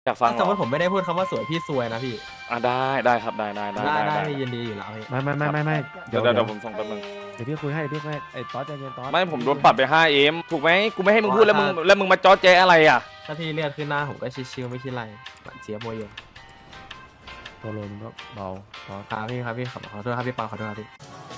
อยากฟังเหรสมมอติผมไม่ได้พูดคำว่าสวยพี่ซวยนะพี่ได้ครับได้ได้พี่ยินดีอยู่แล้วพี่ไม่เดี๋ยวผมส่งแป๊บนึงเดี๋ยวพี่คุยให้ไอ้ต๊อดใจเย็นต๊อดไม่ผมโดนปรับไป 5M ถูกไหมกูไม่ให้มึงพูดแล้วมึงมาจ้อแจ๊อะไรอ่ะถ้าพี่เลือดขึ้นหน้าผมก็ชิวๆไม่คิดไรหมันเจี๊ยบโมยงโปโลมึงก็เบาต๊อดครับพี่ขอโทษครับพี่ปาขอโทษครับพี่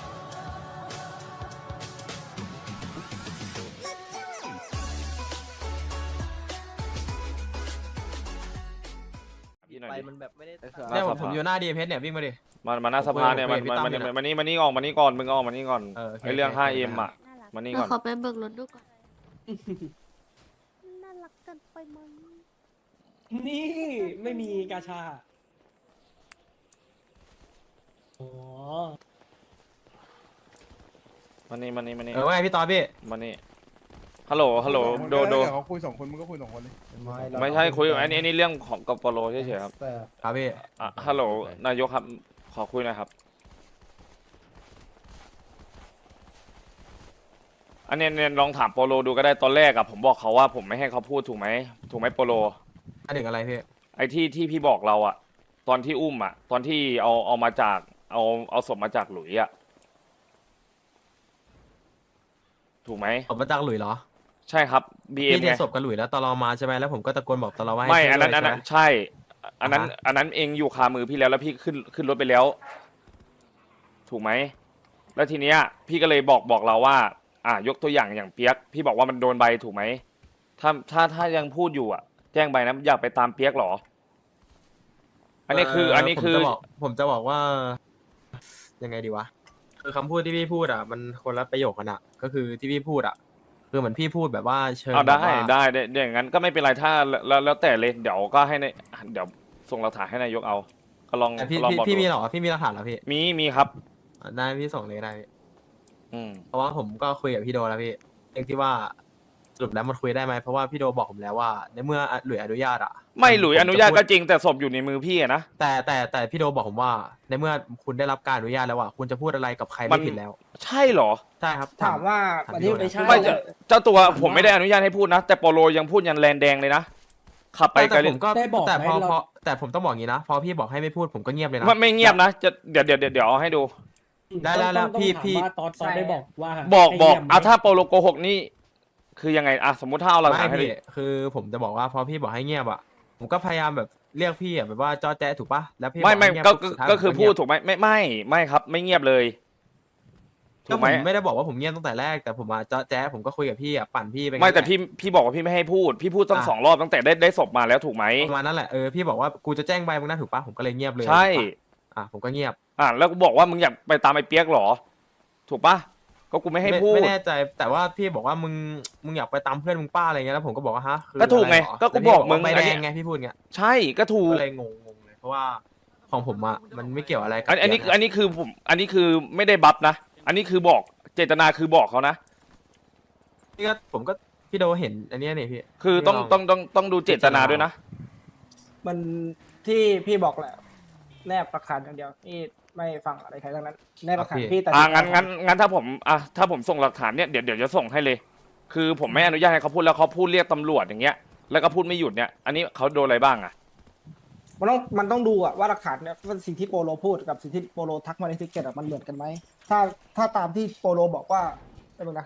ไปมันแบบไม่ได้เนี่ยผมอยู่หน้าดีเพชเนี่ยวิ่งมาดิมาหน้าสภาเนี่ยมันพี่ตั้มอยู่นะมานี่ออกมานี่ก่อนมึงออกมานี่ก่อนโอเคไอเรื่องโอเค 5M อ่ะมานี่ก่อนขอไปเบิกรถดูก่อน น่ารักเกันไปมั้งนี่ไม่มีกาชาอ๋อมานี่ว่าไงพี่ตอนพี่มานี่ฮัลโหลโดเดี๋ยวเขาคุย2 คนมึงก็คุย2 คนเลยไม่ใช่คุยอันนี้เรื่องของกับโปโลเฉยๆครับครับพี่ฮัลโหลนายกครับขอคุยหน่อยครับอันนี้ลองถามโปโลดูก็ได้ตอนแรกอะผมบอกเขาว่าผมไม่ให้เขาพูดถูกไหมโปโลอันหนึ่งอะไรพี่ไอ้ที่พี่บอกเราอะตอนที่อุ้มอะตอนที่เอามาจากเอาศพมาจากหลุยอะถูกไหมผมมาจากหลุยเหรอใช่ครับ BM พี่เทไงศพกับหลุยแล้วตลอมาใช่ไหมแล้วผมก็ตะโกนบอกตลอว่าให้ไม่ช่วยอันนั้นด้วยใช่ไหมใช่ อันนั้นเองอยู่คามือพี่แล้วพี่ขึ้นรถไปแล้ว ถูกไหมแล้วทีเนี้ยพี่ก็เลยบอกเราว่า ยกตัวอย่างเปียกพี่บอกว่ามันโดนใบถูกไหมถ้ายังพูดอยู่แจ้งใบนะอยากไปตามเปียกเหรอ อันนี้คือผมจะบอกว่า ยังไงดีวะคือคำพูดที่พี่พูดมันคนละประโยคกันก็คือที่พี่พูดคือเหมือนพี่พูดแบบว่าเชิญเอาได้แบบว่าได้อย่างนั้นก็ไม่เป็นไรถ้าแล้วแต่เลยเดี๋ยวก็ให้เดี๋ยวส่งหลักฐานให้นายกเอาก็ลองแต่พี่ลองบอกพี่มีดูเหรอพี่มีหลักฐานเหรอพี่มีครับได้พี่ส่งเลยได้พี่อืมเพราะว่าผมก็คุยกับพี่โดแล้วพี่เรื่องที่ว่าสรุปแล้วมันคุยได้ไหมเพราะว่าพี่โดบอกผมแล้วว่าในเมื่อหลุยอนุญาตไม่หลุยผมอนุญาตจะพูดก็จริงแต่ศพอยู่ในมือพี่อะนะแต่พี่โดบอกผมว่า ในเมื่อคุณได้รับการอนุญาตแล้วคุณจะพูดอะไรกับใครมัไม่นผิดแล้วใช่เหรอใช่ครับถามว่าถามวันพี่นี้โดนะไม่ใช่ไม่เจ้าตัวผมไม่ได้อนุญาตให้พูดนะแต่โปโลยังพูดยันแลนแดงเลยนะขับไปไกลแต่เลผยมก็ได้บอกแต่ไหมพอเราพอแต่ผมต้องบอกอย่างนี้นะพอพี่บอกให้ไม่พูดผมก็เงียบเลยนะไม่เงียบนะจะเดี๋ยวเอาให้ดูได้ต้องพี่ถามพี่ว่าตอนได้บอกว่าบอกให้เยี่ยมไหมถ้าโปโลโกหกนี่คือยังไงสมมุติถ้าเอาหลักฐานให้ไม่ดิพี่คือผมจะบอกว่าพอพี่บอกให้เงียบผมก็พยายามแบบเรียกพี่แบบว่าจอแจ๊ถูกปะแล้วพี่ไม่บอกให้เงียบก็ปุ๊บสุดท้ายก็คือผมพูดเงียบถูกไหมไม่ครับ ไม่เงียบเลยถูก็กผไหมมไม่ได้บอกว่าผมเงียบตั้งแต่แรกแต่ผมมาจอแจ๊ผมก็คุยกับพี่ปั่นพี่ไปไม่แต่งั้นหละพี่บอกว่าพี่ไม่ให้พูดพี่พูดตั้ง2 รอบตั้งแต่ได้ศพมาแล้วถูกไหมประมาณนั้นแหละพี่บอกว่ากูจะแจ้งใบมึงนะถูกปะผมก็เลยเงียบเลยใช่ถูกปะผมก็เงียบแล้วกูบอกว่ามึงอยากไปตามไอ้เปียกเหรอ ถูกปะก็กูไม่ให้พูดไม่แน่ใจแต่ว่าพี่บอกว่ามึงอยากไปตามเพื่อนมึงป้าอะไรเงี้ยแล้วผมก็บอกว่าฮะคือก็ถูกไงอะไรหรก็กูบอกมึงใบอันแดนี้งไงพี่พูดเงี้ยใช่ก็ถูกก็เลยงงเลยเพราะว่าของผมมันไม่เกี่ยวอะไรกับอันนี้เปียกะอันนี้คือผมอันนี้คือไม่ได้บัฟนะอันนี้คือบอกเจตนาคือบอกเขานะพี่ก็ผมก็พี่โดเห็นอันเนี้ยนี่พี่คือต้องดูเจตนาด้วยนะมันที่พี่บอกแหละแนบหลักฐานอย่างเดียวพี่ไม่ฟังอะไรใครทั้งนั้นแนบหลักฐานพี่แต่งั้นถ้าผมส่งหลักฐานเนี่ยเดี๋ยวจะส่งให้เลย คือผมไม่อนุญาตให้เขาพูดแล้วเขาพูดเรียกตำรวจอย่างเงี้ยแล้วก็พูดไม่หยุดเนี่ยอันนี้เขาโดนอะไรบ้างอะมันต้องดูว่าหลักฐานเนี่ยว่าสิ่งที่โปโลพูดกับสิ่งที่โปโลทักมาในทิกเก็ตมันเหมือนกันไหมถ้าตามที่โปโลบอกว่าไม่เป็นไร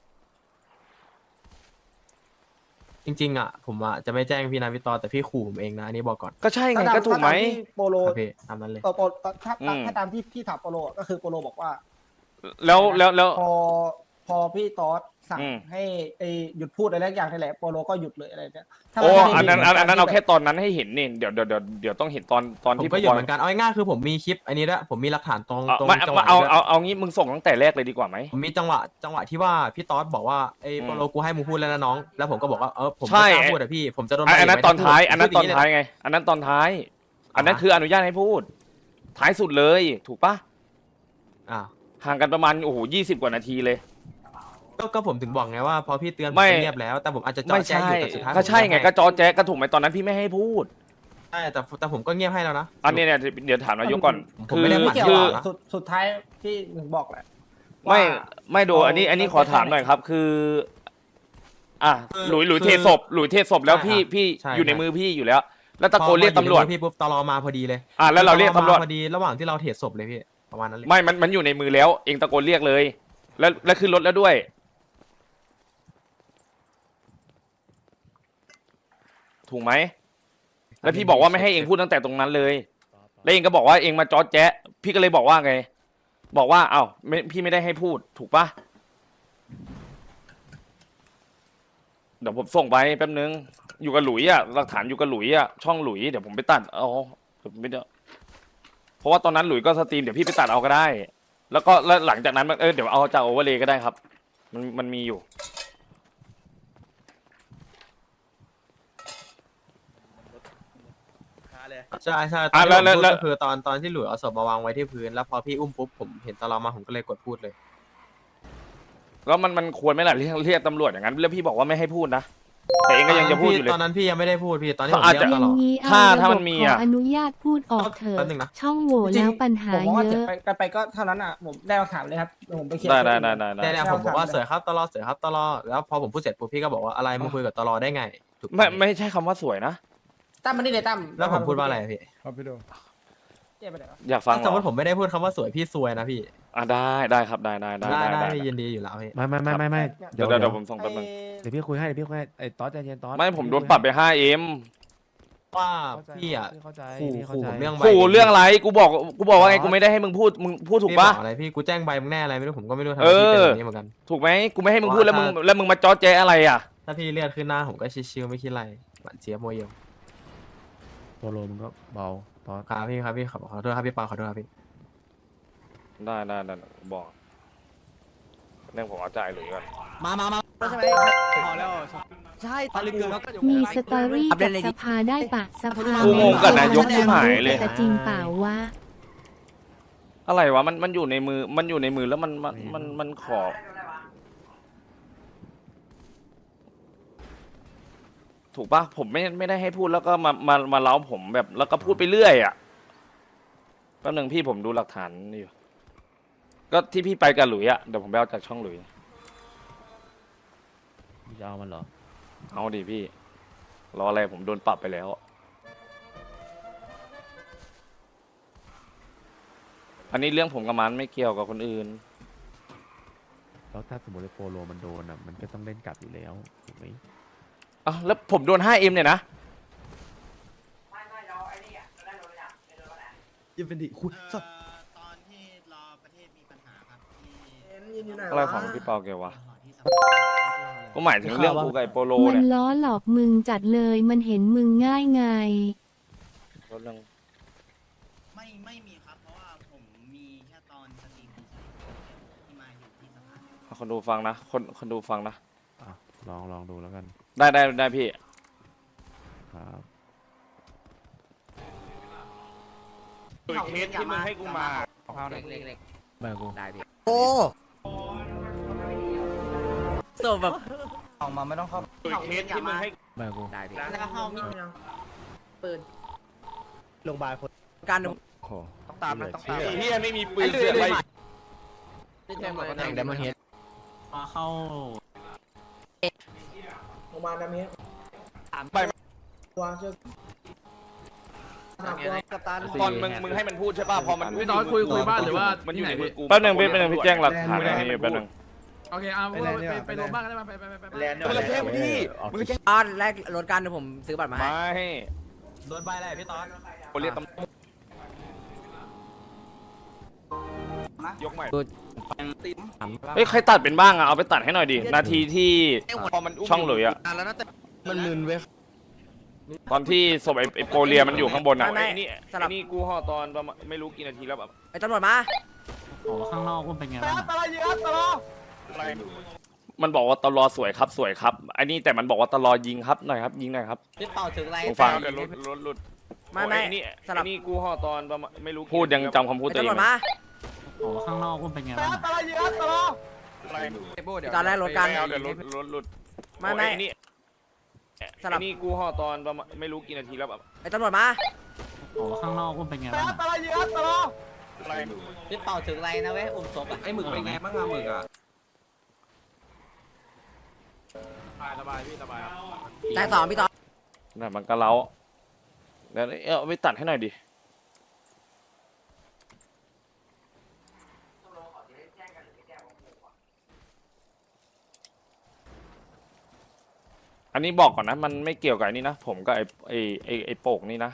จริงๆผมจะไม่แจ้งพี่นาวิตอแต่พี่ขู่ผมเองนะอันนี้บอกก่อนก็ใช่ไงก็ถูกไหมถ้าตาที่โปโลครับพี่ตามนั้นเลยถ้าตามที่พี่ถามโปโลก็คือโปโลบอกว่าแล้วพอพี่ตอสสั่งอืมให้หยุดพูดอะไรอย่างนี่แหละโปโลก็หยุดเลยอะไรเนี่ยถ้าโอ้มันไม่อันนั้นมีเอาแค่ตอนนั้นให้เห็นนี่เดี๋ยวต้องเห็นตอนผมที่ก็อยู่เหมือนกันเอาง่ายๆคือผมมีคลิปอันนี้ด้วยผมมีหลักฐานตรงไม่จังหวะเอาด้วยเอางี้มึงส่งตั้งแต่แรกเลยดีกว่าไหมผมมีจังหวะที่ว่าพี่ตอสบอกว่าไอ้อืมโปโลกูให้มึงพูดแล้วนะน้องแล้วผมก็บอกว่าผมใช่ไม่กล้าพูดอะพี่ผมจะโดนอันนั้นใบตอนท้ายพูดอันนั้นตอนพูดย่งท้ายไง อันนั้นตอนท้าย อันนั้นคืออนุญาตให้พูด ท้ายสุดเลยถูกปะอ่าห่างกันประมาณ20 กว่านาทีเลยก็ผมถึงบอกไงว่าพอพี่เตือนผมไม่ก็เงียบแล้ว แต่ผมอาจจะจอไม่แจ้ใช่อยู่แต่สุดท้ายก็ใช่ไงผมก็จอแจ๊กก็ถูกไหมตอนนั้นพี่ไม่ให้พูดใช่แต่ผมก็เงียบให้แล้วนะอันนี้เนี่ยเดี๋ยวถามนายกก่อนผมไม่ได้ไม่เกี่ยวคืออะสุดท้ายพี่หนึ่งบอกแหละไม่ดูว่าอันนี้ขอถามหน่อยครับ คือหลุยเทศพแล้วพี่อยู่ในมือพี่อยู่แล้วแล้วตะโกนเรียกตำรวจพี่ปุ๊บตลอมาพอดีเลยแล้วเราเรียกตำรวจมาพอดีระหว่างที่เราเทรดศพเลยพี่ประมาณนั้นเลยไม่มันอยู่ในมือแล้ว เองตะโกนเรียกเลย แล้วขึ้นรถแล้วด้วย ถูกไหม แล้วพี่บอกว่าไม่ให้เองพูดตั้งแต่ตรงนั้นเลย แล้วเองก็บอกว่าเองมาจอดแจ๊ะ พี่ก็เลยบอกว่าไง บอกว่าอ้าวพี่ไม่ได้ให้พูด ถูกปะเดี๋ยวผมส่งไปแป๊บนึง อยู่กับหลุยอ่ะ หลักฐานอยู่กับหลุยอ่ะ ช่องหลุย เดี๋ยวผมไปตัดเอาเดี๋ยวผมไม่ได้เพราะว่าตอนนั้นหลุยก็สตรีม เดี๋ยวพี่ไปตัดเอาก็ได้ แล้วหลังจากนั้นเดี๋ยวเอาจากโอเวอร์เลยก็ได้ครับ มันมีอยู่ใช่ใช่อ่ะตอนที่ผมพูดแล้วก็คือตอนที่หลุยเอาศพมาวางไว้ที่พื้นแล้วพอพี่อุ้มปุ๊บผมเห็นตลอมาผมก็เลยกดพูดเลยแล้วมันควรไหมล่ะเรียกตำรวจอย่างนั้น แล้วพี่บอกว่าไม่ให้พูดนะ แต่เองก็ยังจะพูดอยู่เลยตอนนั้นพี่ยังไม่ได้พูดพี่ตอนที่ผมอาจเรียจะกตลอดนี้ถ้าเอาถ้าระมับบนมีขออะอนุญาตพูดออกเถแป๊อะบนึงนะช่องโหว่แล้วปัญหาผมว่าเยเจ็บอะไปก็เท่านั้นอ่ะผมได้หลักฐานเลยครับเดี๋ยวผมไปเคลียร์ได้เนี่ยผมบอกว่าเสือครับตลอดเสือครับตลอดแล้วพอผมพูดเสร็จปุ๊บพี่ก็บอกว่าอะไรมึงคุยกับตลอดได้ไงถูกไหมไม่ใช่คำว่าสวยนะตั้มมันนี่เลยตั้มแล้วผมพูดว่าอะไรพี่ครับพี่โดเจ็บไปไหนวะอยากฟังเหรสมมอติผมไม่ได้พูดคำว่าสวยพี่ซวยนะพี่ได้ครับได้ได้ยินดีอยู่แล้วพี่ไม่เดี๋ยวผมส่งแป๊บนึงเดี๋ยวพี่คุยให้ไอ้ตอสใจเย็นตอสไม่ผมโดนปรับไป 5M ว่าพี่อ่ะเข้าใจขู่พี่เข้าขู่ใจผมเรื่องใบขู่เรื่องอะไรกูบอกว่าไงกูไม่ได้ให้มึงพูดถูกพี่บปะอกอะไรพี่กูแจ้งใบมึงแน่อะไรไม่รู้ผมก็ไม่รู้ทำไมเออพี่เป็นแบบนี้เหมือนกันถูกไหมกูไม่ให้มึงพูดแล้วมึงมาจอแจอะไรอ่ะถ้าพี่เลือดขึ้นหน้าผมก็ชิวๆไม่คิดอะไรหวานเจี๊ยบโมเยลโปโลมึงก็เบาตอสครับพี่ขอโทษครับพี่ปาขอโทษครับพี่ได้บอกเรื่องผมเอาจ่ายหรือก่อนมาใช่ไหมพอแล้วใช่ตะลึงแล้วก็มีสตอรี่กับสภาได้ปะสภากูงงกับนายกที่หายเลยแต่จริงเปล่าวะอะไรวะมันอยู่ในมือแล้วมันขอ ถูกปะผมไม่ได้ให้พูดแล้วก็มาเล้าผมแบบแล้วก็พูดไปเรื่อยอ่ะแป๊บนึงพี่ผมดูหลักฐานนี่อยู่ก็ที่พี่ไปกับหลุยอ่ะเดี๋ยวผมไปเอาจากช่องหลุยมึงจะเอามันเหรอเอาดิพี่รออะไรผมโดนปรับไปแล้ว อันนี้เรื่องผมกับมันไม่เกี่ยวกับคนอื่นแล้วถ้าสมมติไอ้โปโลมันโดนอ่ะมันก็ต้องเล่นกลับอยู่แล้วถูกไหมอ้าวแล้วผมโดน 5M เนี่ยนะยืนเป็นดิคุยตอนที่รอประเทศมีปัญหาครับที่อะไรของพี่เปาแกวะก็หมายถึงเรื่องกูกับไอ้โปโลมันเนี่ยล้อหลอกมึงจัดเลยมันเห็นมึงง่ายไงก็เรื่องไม่มีครับ เพราะว่าผมมีแค่ตอนสตรีมที่มาอยู่ที่สภาคนดูฟังนะคนดูฟังนะอ่ะลองดูแล้วกันได้พี่ครับเคสที่มึงให้กูมาแม่กูโอ้ศพแบบออกมาไม่ต้องเข้าเคสที่มึงให้แม่กูแล้วก็ห้องมีปืนโรงพยาบาลคนการโอ้โหต้องตามนะต้องตามไอ้เหี้ยไม่มีปืนเสือกอะไรแทงเลยแทงเดมอนเฮดเข้าโรงพยาบาลน้ำนี้ไปวางเชือกกัปตันตอนมึงให้มันพูดใช่ป่ะพอมันพี่ตอนคุยบ้านหรือว่ามันอยู่ในที่ไหนมือกูแป๊บนึงพี่แจ้งหลักฐานให้แป๊บนึงโอเคเอาไปโรงพยาบาลก็ได้มาไปมึงจะแจ้งพี่มึงจะแจ้งตอนแรกรถการเดี๋ยวผมซื้อบัตรมาให้ไม่โดนใบอะไรพี่ตอนกูเรียกตำรวจยกใหม่เฮ้ยใครตัดเป็นบ้างอะเอาไปตัดให้หน่อยดินาทีที่ช่องหลุยอะแล้วนะแต่มันมึนเว้ยตอนที่ศพไอ้โปเลียมันอยู่ข้างบนอะไอ้นี่กูห่อตอนประมาณไม่รู้กี่นาทีแล้วแบบไอ้ตำรวจมาข้างนอกมันเป็นไงบ้างมันบอกว่าตลอสวยครับไอ้นี่แต่มันบอกว่าตลอยิงครับหน่อยครับยิงหน่อยครับพี่เป่าถึงไรผมฟังเดี๋ยวรถไม่ไอ้นี่กูห่อตอนประมาณไม่รู้พูดยังจำคำพูดไอ้ตัวเอตำรง วจไม่มาข้างนอกมันเป็นไงบ้างตอนแรกรถการเดี๋ยวรถไม่ไอ้นี่กูห่อตอนประมาณไม่รู้กี่นาทีแล้วแบบไอ้ตำรวจมาข้างนอกมันเป็นไงบ้างพี่เป่าถึงไรนะเว้ยอุ้มศพไอ้หมึกเป็นไงบ้างอะหมึกอะสบายพี่สบายแต่สองพี่ตอนนั่นมันก็เล้าแล้วเอาไปตัดให้หน่อยดิอันนี้บอกก่อนนะมันไม่เกี่ยวกับไอ้นี่นะผมกับไอ้โป่งนี่นะ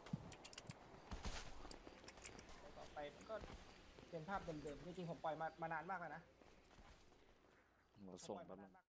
ต่อไปก็เป็นภาพเดิมๆจริงๆผมปล่อยมานานมากแล้วนะส่งแป๊บนึง